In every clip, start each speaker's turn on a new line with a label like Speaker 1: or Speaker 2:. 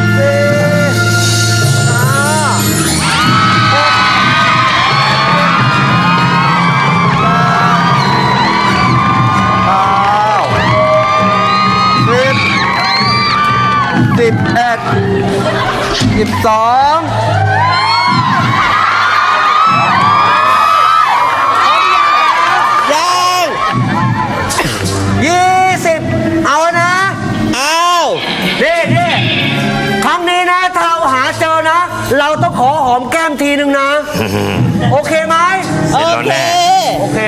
Speaker 1: 20เอานะเอานี่ครั้งนี้นะถ้าเราหาเจอนะ เราต้องขอหอมแก้มทีนึงนะ โอเคไหม
Speaker 2: เสร็จแล้วแน่
Speaker 1: โอเค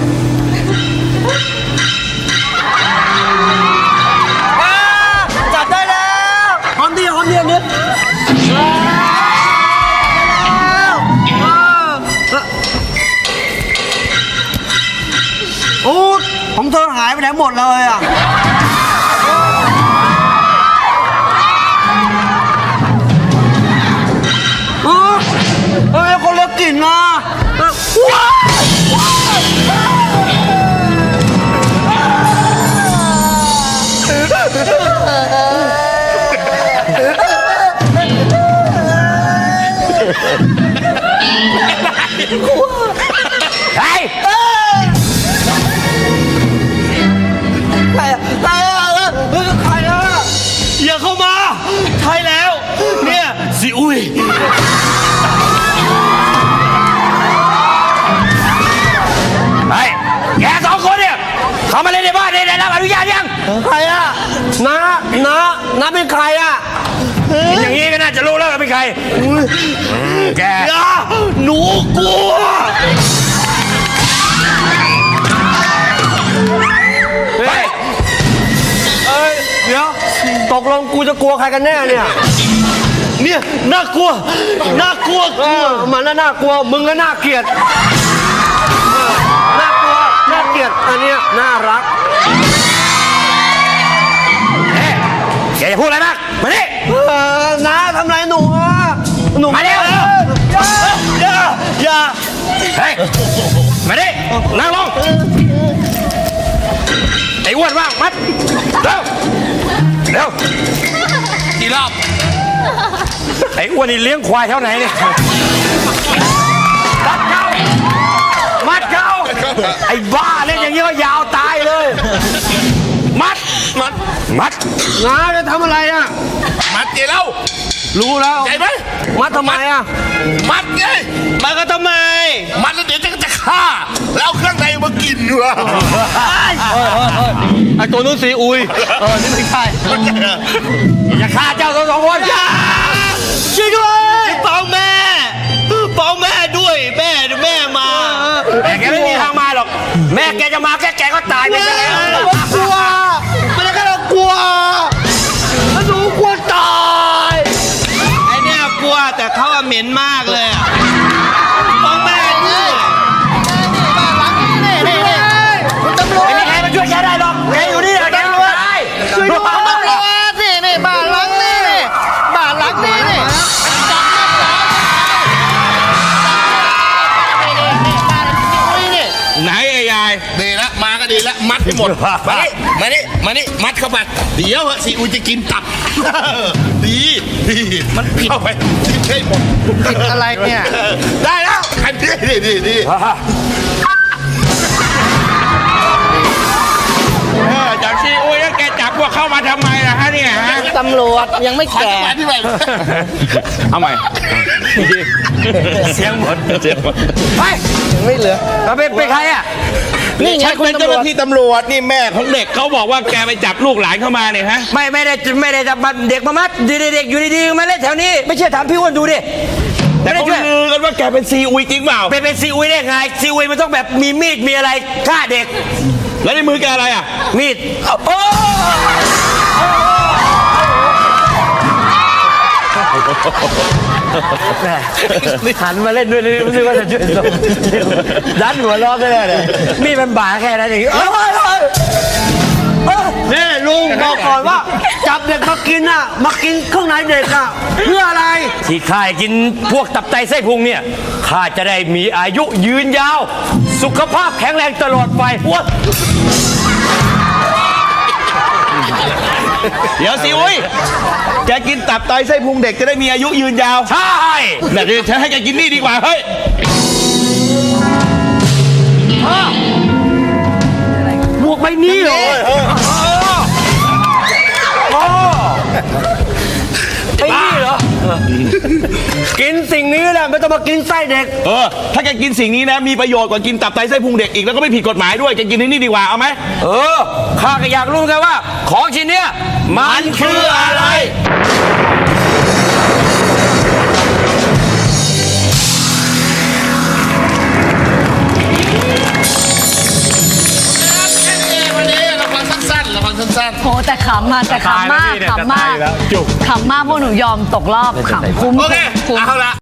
Speaker 1: จับได้แล้วหอมดีอันนี้โอ้ของเธอหายไปไหนหมดเลยอ่ะเฮ้ยคนเลือกกลิ่นนะเฮ้ยใครอ่ะ
Speaker 2: อย่าเข้ามาใช่แล้ว เนี่ยสิอุ้ยไอ้แกสองคนเนี่ยเขามาเล่นในบ้านได้รับอนุญาตยัง
Speaker 1: ใครอ่ะน้าเป็นใครอ่ะ
Speaker 2: อย่างนี้ก็น่าจะรู้แล้วว่าเป็นใครแก
Speaker 1: อย่าหนูกลัวเฮ้ยเดี๋ยวตกลงกูจะกลัวใครกันแน่เนี่ยน่ากลัวมันน่ากลัวมึงก็น่าเกลียดน่ากลัวน่าเกลียดอันเนี้ยน่ารัก
Speaker 2: แกจะพูดอะไรมากมาดิ
Speaker 1: น้าทำไรหนูอ่ะหนู
Speaker 2: มาเร็ว
Speaker 1: อย่า
Speaker 2: เฮ้ยมาดินั่งลงไอ้อ้วนว่างมัดเร็วเร็ว
Speaker 3: กี่รอบ
Speaker 2: ไอ้อ้วนนี่เลี้ยงควายเท่าไหนเนี่ยมัดเขาไอ้บ้าเล่นอย่างนี้ก็ยาวตายเลยมัด
Speaker 1: น้าจะทำอะไรอ่ะ
Speaker 3: มัดเกี่ยวแล้ว
Speaker 1: รู้แล้ว
Speaker 3: ใจไหม
Speaker 1: มัดทำไมอ่ะ
Speaker 3: มัดไง
Speaker 1: มัดก็ทำไม
Speaker 3: มัดแล้วเดี๋ยวจะฆ่าแล้วเอาเครื่องในมากินด้วย
Speaker 1: ไอตัวนู้นซีอุยนี่ไม่ใช่
Speaker 2: อย่าฆ่าเจ้าสองคน
Speaker 1: ช่วยด้วยเป่าแม่ด้วยแม่มา
Speaker 2: แต่แกไม่มีทางมาหรอกแม่แกจะมาแกก็ตายไปซะแล้ว
Speaker 1: กลัวไม่ได้แค่เรากลัวหนูกลัวตายไอเนี่ยกลัวแต่เขาอะเหม็นมากเลยอะเป่าแม่ด้วย
Speaker 2: ไม่มีใครมาช่วยแกได้หรอกแกอยู่นี่แกตาย
Speaker 1: ช่วยด้วย
Speaker 4: บ้านหลังนี้นี่
Speaker 2: ไหนไอ้ยาย
Speaker 3: ดีละมาก็ดีละมัดให้หมดมานี่มัดเข้าไปเดี๋ยวซีอุยจะกินตับดีมันผิดเข้าไปทิ้งให้หมด
Speaker 4: ผิดอะไรเนี่ย
Speaker 3: ได้แล้วอันนี้ดี
Speaker 2: จากซีอุ้ยแล้วแกจับพวกเข้ามาทำไมล่ะฮะเนี่ยฮะ
Speaker 4: ตำรวจยังไม่
Speaker 3: ขอ
Speaker 4: แก่
Speaker 3: จังหวะที่ไหน
Speaker 2: เอาใหม่เสียงหมดไป
Speaker 4: ไม่เหลือ
Speaker 2: เราเป็นใครอ่ะ
Speaker 4: นี่ไง
Speaker 5: ฉัน
Speaker 4: คุณ
Speaker 5: เป็น
Speaker 4: ตำ
Speaker 5: เจ้าร ห
Speaker 4: วจ
Speaker 5: น้าที่ตำรวจนี่แม่ของเด็กเขาบอกว่าแกไปจับลูกหลานเข้ามาเนี่ยฮะ
Speaker 2: ไม่ได้จับเด็กมามัดเด็กอยู่ดีๆมาเล่นแถวนี้ ไม่เชื่อถามพี่อ้วนดูดิ
Speaker 5: แต่
Speaker 2: ไม่ได้
Speaker 5: เขา
Speaker 2: ช่วย
Speaker 5: ลือกันว่าแกเป็นซีอุยจริงเปล่า
Speaker 2: เป็นซีอุยได้ไงซีอุยมันต้องแบบมีมีดมีอะไรฆ่าเด็ก
Speaker 5: แล้วในมือแกอะไรอ่ะ
Speaker 2: มีดโอ้หันมาเล่นด้วยเลยรู้สึกว่าจะช่วยดันหัวล้อได้เลยมีดมันบาแค่นั้นเอง
Speaker 1: นี่ลุงบอกก่อนว่า จับเด็กมากินอ่ะมากินเครื่องในเด็กอ่ะเพื่ออะไร
Speaker 2: ที่ข้ากินพวกตับไตไส้พุงเนี่ยข้าจะได้มีอายุยืนยาว สุขภาพแข็งแรงตลอดไปอ้วน
Speaker 5: เดี๋ยวซีอุยแกกินตับไตไส้พุงเด็กจะได้มีอายุยืนยาว
Speaker 2: ใช่
Speaker 5: แต่เดี๋ยวฉันให้แกกินนี่ดีกว่าเฮ้ย
Speaker 1: หมวกใบนี้เหรอไอ้นี่เหรอ กินสิ่งนี้แหละไม่ต้องมากินไส้เด็ก
Speaker 5: ถ้าแกกินสิ่งนี้นะมีประโยชน์กว่ากินตับไตไส้พุงเด็กอีกแล้วก็ไม่ผิดกฎหมายด้วยแกกินนี่ดีกว่าเอาไหม
Speaker 2: ข้าก็อยากรู้เหมือนกันว่า ของชิ้นเนี้ยมันคืออะไร
Speaker 3: วันนี้เราฟังสั้น
Speaker 6: โหแต่ขำมาแต่ขำมากขำมากขำมากพวกหนูยอมตกรอบขำคุ้ม
Speaker 3: โอเค
Speaker 6: คุ้ม
Speaker 3: เอาละ